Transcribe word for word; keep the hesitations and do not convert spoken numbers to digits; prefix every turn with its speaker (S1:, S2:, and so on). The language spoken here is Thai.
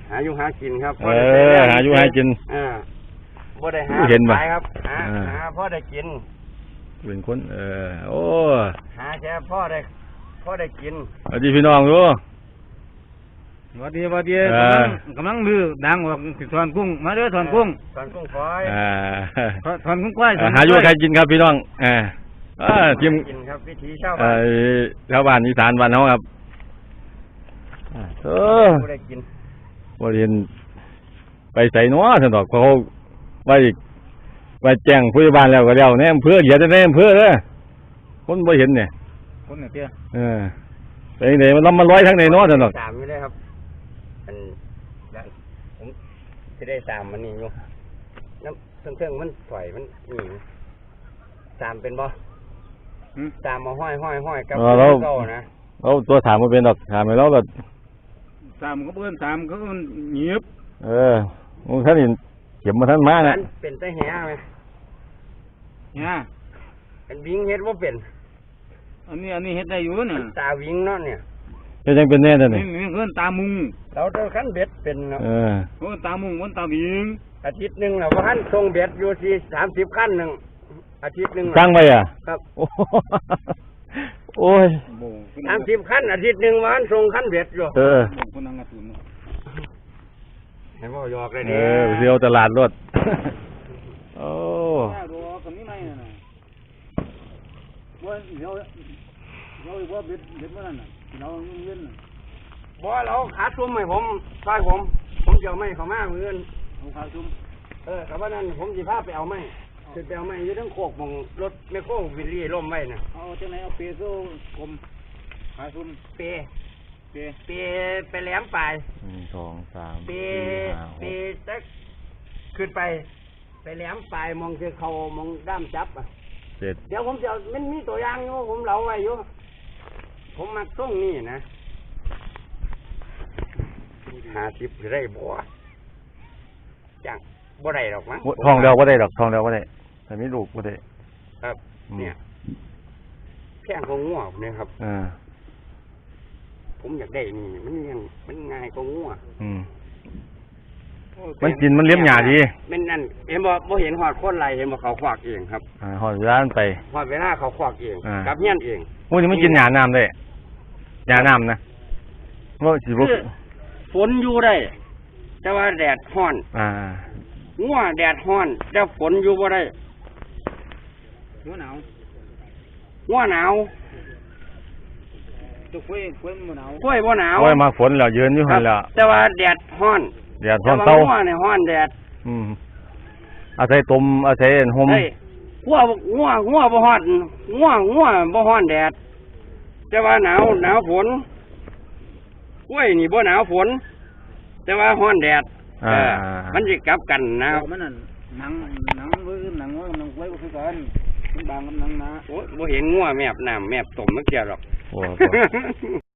S1: หาอยู่หากินครับ
S2: เออหาอยู่หากิน
S1: เออบ่ได้หา
S2: เห็นบ่
S1: ครับหาหาพ่อได้กิน
S2: เป็นคนเออโอ้
S1: หาแค่พ่อได้พ่อได้กิน
S2: สวัสดีพี่น้องดู
S3: สวัสดีสวัสดีกำลังกำลังลือดังออกถอนกุ้งมาเด้อถอนกุ้ง
S1: ถอนกุ้งควาย
S3: ถอนกุ้งควาย
S2: หาอยู่ใครกินครับพี่น้องอ่าอ่าทีม
S1: กินครับวิถีชาวบ้าน
S2: ชาวบ้านอีสานบ้านเขาครับเออ
S1: บ่ได้กิน
S2: บ่เห็นไปใส่นัวสนอกเขาไปไปแจ้งผู้ใหญ่บ้านแล้วก็แล้วเนี่ยอำเภอเหยียดในอำเภอเด้อคนบ่เห็นเนี่ย
S3: คนเนี่ยเตี้ย
S2: เออไปไหนมันล้ำมันร้อยทั้งในนัวสนอก
S1: สามอยู่เลยครับอันผมจะได้สามมันนี่อยู่น้ำเครื่องมันถอยมันนี่สามเป็นบ่สามมาห้อยห้อยห้อยกับเก้านะ
S2: เราตัวถามมาเป็นดอกถามไปแล้วแบบ
S3: สามก็เพื่อนสามเขาเงียบ
S2: เออมึงท่านเห็นเข็มมาท่านมานะ
S1: เป็นแต่แห่ไหม
S3: แห่
S1: เป็นวิ่งเฮ็ดว่าเป็น
S3: อันนี้อันนี้เฮ็ดได้อยู่เนี่ย
S1: ตาวิ่งเนาะเนี่ย
S2: จะยังเป็นแน่เลยนี่
S3: นี่เพื่อนตามุง
S1: เราเจอขั้นเบ็ดเป็นเนาะ
S2: เออ
S3: เพื่อนตามุงเพื่อนตาวิ่ง
S1: อาทิตย์หนึ่งเราก็ขั้นทรงเบ็ดอยู่ที่สามสิบขั้นหนึ่งอาทิตย์หนึ่ง
S2: ตั้งไปอ่ะ
S1: ครับ
S2: โอ้ย
S1: สามสิบขั้นอาทิตย์หนึ่งวันทรงขั้นเบ็ดอยู่
S2: เออ
S3: คนนั่งกระตุ้น
S1: ให้พ่อยอกเลย
S2: เนี่ยเออเที่ยวตลาดรถโอ้
S3: รอคนนี้ไม่น่ะว่าเดี๋ยวเดี๋ยวว่าเบ็ดเบ็ดเมื่อนั้นน่ะเราเงิน
S1: บ่เราขาดซุ้มให้ผมซอยผมผมจะเอาไม้เขามาเงิน
S3: เอาขาดซุ้ม
S1: เออแต่ว่านั้นผมจะพาไปเอาไม้คือไปเอาไม้อยู่ทั้งโคกมองรถไม่โค้งวิลลี่ล่มไว้น่ะ
S3: เอาจังไหนเอาเปโซ่กลมขาดซุ้ม
S1: เป
S3: เป
S1: เปไปแหลมปลาย
S2: หนึ่งสองสาม
S1: เปเปจักขึ้นไปไปแหลมปลายมองคือเขามองด้ามจับอ่ะ
S2: เจ็ด
S1: เดี๋ยวผมจะมันมีตัวอย่างอยู่ผมเล่าไว้อยู่ผมมักส่งนี่นะหาสิบได้บัวจังบ่ได้หรอกมั้ง
S2: ทองเดียวบ่ได้หรอกทองเดียวบ่ได้แต่ไม่ลูกบ่ได้
S1: ครับเนี่ยแข้งของงัวเนี่ยครับ
S2: อ่า
S1: ผมอยากได้นี่มันยังมันง่ายกว่างัว
S2: อืมมันกินมันเลี้ยงหญ้าดี
S1: มันนั่นเห็นบ่บ่เห็นหอดคนไรเห็นบ่เขาควักเองครับ
S2: อ่าหอดเวลาไป
S1: หอดเวลาเขาควักเองกับเงี้ยนเอง
S2: พวกนี้มันกินหญ้าน้ำได้หญ้าน้ำนะว่าสิบ่
S1: ฝนอยู่ได้แต่ว่าแดดร้อน
S2: อ่า
S1: งัวแดดร้อนแต่ฝนอยู่บ่ได้
S3: งัวหนาว
S1: งัวหนาว
S3: ตัวกล้วยกล้วยบ่หนาว
S1: กล้วยบ่หนาว
S2: กล้วยมาฝนแล้วยืนอยู่หั่นแล้ว
S1: แต่ว่าแดดร้อน
S2: แดดร้อนเต้า
S1: งัวเนี่ยร้อนแดด
S2: อืมอาศัยตุ่มอาศัยห่ม
S1: งัวงัวงัวบ่ร้อนงัวงัวบ่ร้อนแดดแต่ว่าหนาวหนาวฝนกล้วยนี่บ่หนาวฝนแต่ว่าร้อนแดดเออมันสิกลับกันนะ
S3: มันนั่นหนังหนังบ่หนังหนังกล้วยบ่คือกันมันบางกับหนังนะ
S1: โอ้บ่เห็นงัวแมบน้ำแมบต้มมันเกี่ยวหรอก